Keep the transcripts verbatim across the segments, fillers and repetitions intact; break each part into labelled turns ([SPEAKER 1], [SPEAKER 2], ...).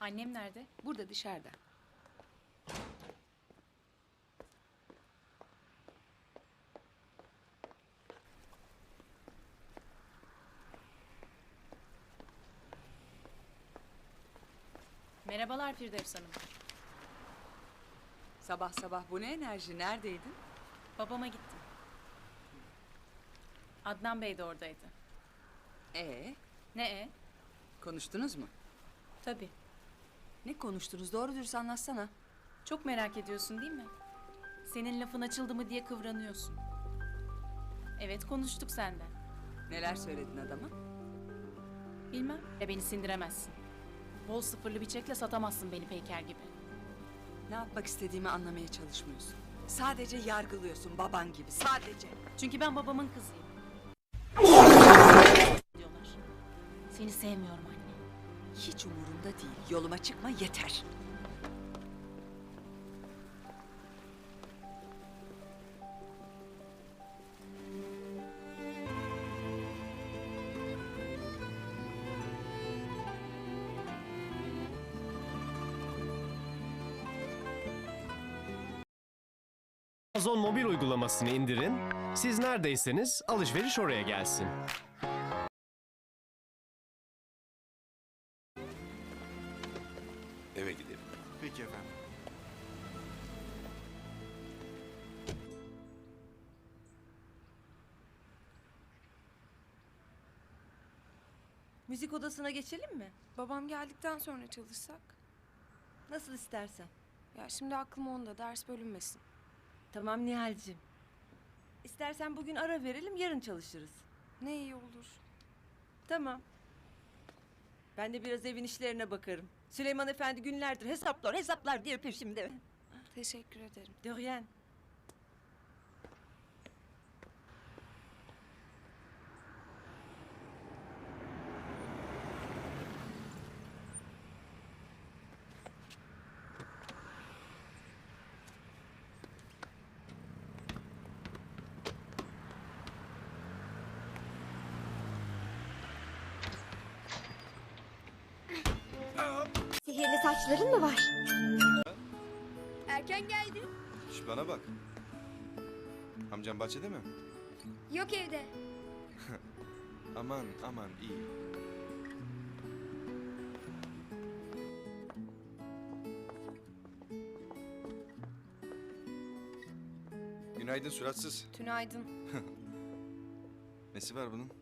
[SPEAKER 1] Annem nerede?
[SPEAKER 2] Burada dışarıda.
[SPEAKER 1] Merhabalar Firdevs Hanım.
[SPEAKER 2] Sabah sabah bu ne enerji? Neredeydin?
[SPEAKER 1] Babama gittim. Adnan Bey de oradaydı.
[SPEAKER 2] Ee,
[SPEAKER 1] Ne e?
[SPEAKER 2] konuştunuz mu?
[SPEAKER 1] Tabii.
[SPEAKER 2] Ne konuştunuz? Doğru dürüst anlatsana.
[SPEAKER 1] Çok merak ediyorsun değil mi? Senin lafın açıldı mı diye kıvranıyorsun. Evet, konuştuk senden.
[SPEAKER 2] Neler söyledin adama?
[SPEAKER 1] Bilmem. Ya beni sindiremezsin. Bol sıfırlı bir çekle satamazsın beni Peyker gibi.
[SPEAKER 2] Ne yapmak istediğimi anlamaya çalışmıyorsun. Sadece yargılıyorsun baban gibi. Sadece.
[SPEAKER 1] Çünkü ben babamın kızıyım. Diyorlar. Seni sevmiyorum anne.
[SPEAKER 2] Hiç umurumda değil. Yoluma çıkma yeter.
[SPEAKER 3] Amazon mobil uygulamasını indirin. Siz neredeyseniz alışveriş oraya gelsin.
[SPEAKER 4] Eve gidelim.
[SPEAKER 5] Peki efendim.
[SPEAKER 6] Müzik odasına geçelim mi?
[SPEAKER 7] Babam geldikten sonra çalışsak?
[SPEAKER 6] Nasıl istersen.
[SPEAKER 7] Ya şimdi aklım onda, ders bölünmesin.
[SPEAKER 6] Tamam Nihal'cim. İstersen bugün ara verelim, yarın çalışırız.
[SPEAKER 7] Ne iyi olur.
[SPEAKER 6] Tamam. Ben de biraz evin işlerine bakarım. Süleyman Efendi günlerdir hesaplar hesaplar diye peşimde.
[SPEAKER 7] Teşekkür ederim.
[SPEAKER 6] De rien.
[SPEAKER 8] Sihirli saçların mı var?
[SPEAKER 9] Erken geldin.
[SPEAKER 4] Şş, bana bak. Amcam bahçede mi?
[SPEAKER 9] Yok evde.
[SPEAKER 4] Aman aman iyi. Günaydın suratsız.
[SPEAKER 7] Tünaydın.
[SPEAKER 4] Nesi var bunun?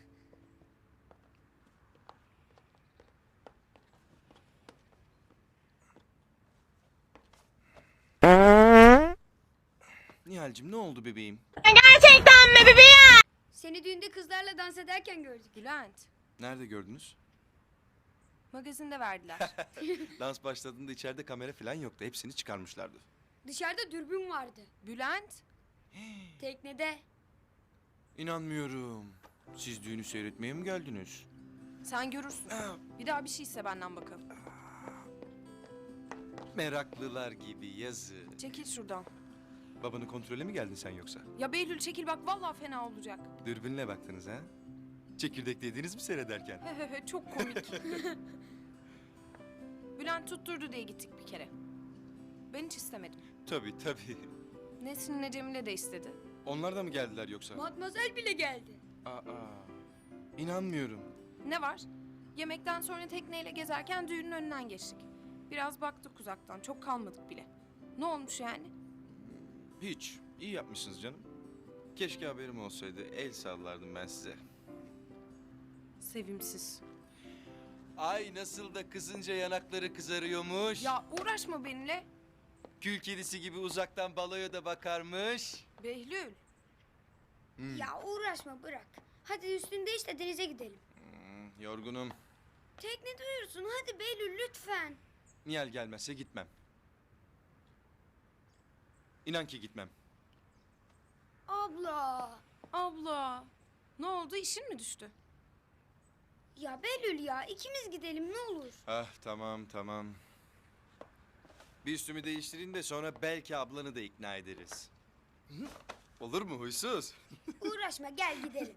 [SPEAKER 4] Nihal'cim ne oldu bebeğim?
[SPEAKER 8] Gerçekten mi bebeğim?
[SPEAKER 9] Seni düğünde kızlarla dans ederken gördük.
[SPEAKER 7] Bülent,
[SPEAKER 4] Nerede gördünüz?
[SPEAKER 7] magazinde verdiler.
[SPEAKER 4] Dans başladığında içeride kamera falan yoktu. Hepsini çıkarmışlardı.
[SPEAKER 9] Dışarıda dürbün vardı.
[SPEAKER 7] Bülent,
[SPEAKER 9] Teknede.
[SPEAKER 4] İnanmıyorum. Siz düğünü seyretmeye mi geldiniz?
[SPEAKER 7] sen görürsün. Bir daha bir şeyse benden bakalım.
[SPEAKER 4] Meraklılar gibi yazı.
[SPEAKER 7] Çekil şuradan.
[SPEAKER 4] Babanı kontrole mi geldin sen yoksa?
[SPEAKER 7] Ya Behlül çekil bak, vallahi fena olacak.
[SPEAKER 4] Dürbünle baktınız ha? Çekirdek yediniz mi seyrederken?
[SPEAKER 7] Hehehe, çok komik. Bülent tutturdu diye gittik bir kere. Ben hiç istemedim.
[SPEAKER 4] Tabii tabii.
[SPEAKER 7] Nesrin ne Cemile de istedi.
[SPEAKER 4] Onlar da mı geldiler yoksa?
[SPEAKER 9] Matmazel bile geldi.
[SPEAKER 4] Aa, inanmıyorum.
[SPEAKER 7] Ne var? Yemekten sonra tekneyle gezerken düğünün önünden geçtik. Biraz baktık uzaktan, çok kalmadık bile. Ne olmuş yani?
[SPEAKER 4] Hiç. İyi yapmışsınız canım. Keşke haberim olsaydı. El sallardım ben size.
[SPEAKER 7] Sevimsiz.
[SPEAKER 4] Ay nasıl da kızınca yanakları kızarıyormuş.
[SPEAKER 7] Ya uğraşma benimle.
[SPEAKER 4] Kül kedisi gibi uzaktan baloya da bakarmış.
[SPEAKER 7] Behlül.
[SPEAKER 4] Hmm.
[SPEAKER 9] Ya uğraşma bırak. Hadi üstünü değiş de denize gidelim.
[SPEAKER 4] Hmm, yorgunum.
[SPEAKER 9] Teknede uyursun hadi Behlül lütfen.
[SPEAKER 4] Nihal gelmezse gitmem. İnan ki gitmem.
[SPEAKER 9] Abla.
[SPEAKER 7] Abla. Ne oldu, işin mi düştü?
[SPEAKER 9] Ya Behlül ya ikimiz gidelim ne olur.
[SPEAKER 4] Ah tamam tamam. Bir üstümü değiştireyim de sonra belki ablanı da ikna ederiz. Hı? Olur mu huysuz?
[SPEAKER 9] Uğraşma gel gidelim.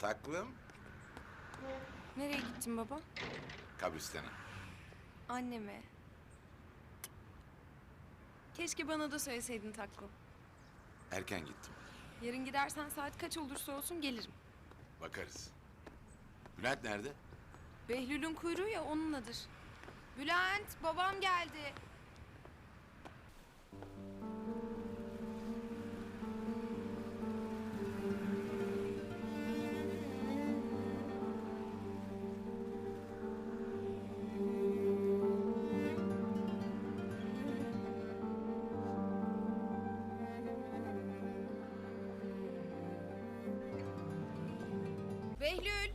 [SPEAKER 5] Taklım
[SPEAKER 7] Nereye gittin baba?
[SPEAKER 5] kabristana.
[SPEAKER 7] Anneme. Keşke bana da söyleseydin taklım.
[SPEAKER 5] Erken gittim.
[SPEAKER 7] Yarın gidersen saat kaç olursa olsun gelirim.
[SPEAKER 5] Bakarız. Bülent nerede?
[SPEAKER 7] Behlül'ün kuyruğu ya onunladır. Bülent, babam geldi. Behlül.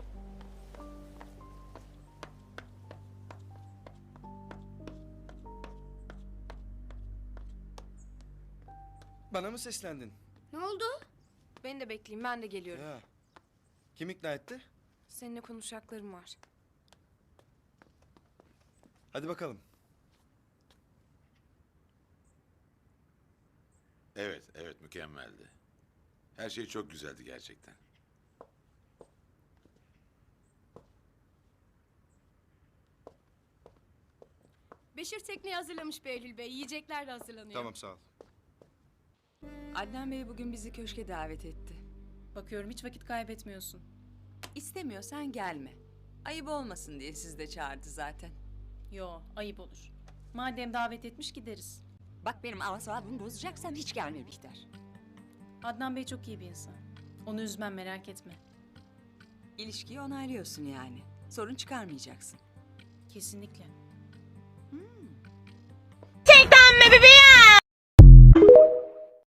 [SPEAKER 4] Bana mı seslendin?
[SPEAKER 9] Ne oldu?
[SPEAKER 7] Beni de bekleyin, ben de geliyorum.
[SPEAKER 4] Ya. Kim ikna etti?
[SPEAKER 7] Seninle konuşacaklarım var.
[SPEAKER 4] Hadi bakalım.
[SPEAKER 5] Evet, evet mükemmeldi. Her şey çok güzeldi gerçekten.
[SPEAKER 1] Beşir tekneyi hazırlamış Behlül Bey. Yiyecekler de hazırlanıyor.
[SPEAKER 4] Tamam sağ ol.
[SPEAKER 2] Adnan Bey bugün bizi köşke davet etti.
[SPEAKER 1] Bakıyorum hiç vakit kaybetmiyorsun.
[SPEAKER 2] İstemiyorsan gelme. Ayıp olmasın diye sizi de çağırdı zaten.
[SPEAKER 1] Yo, ayıp olur. Madem davet etmiş gideriz.
[SPEAKER 2] Bak benim asabımı bozacaksan hiç gelme Bihter.
[SPEAKER 1] Adnan Bey çok iyi bir insan. Onu üzmem merak etme.
[SPEAKER 2] İlişkiyi onaylıyorsun yani. Sorun çıkarmayacaksın.
[SPEAKER 1] Kesinlikle.
[SPEAKER 2] Hmm.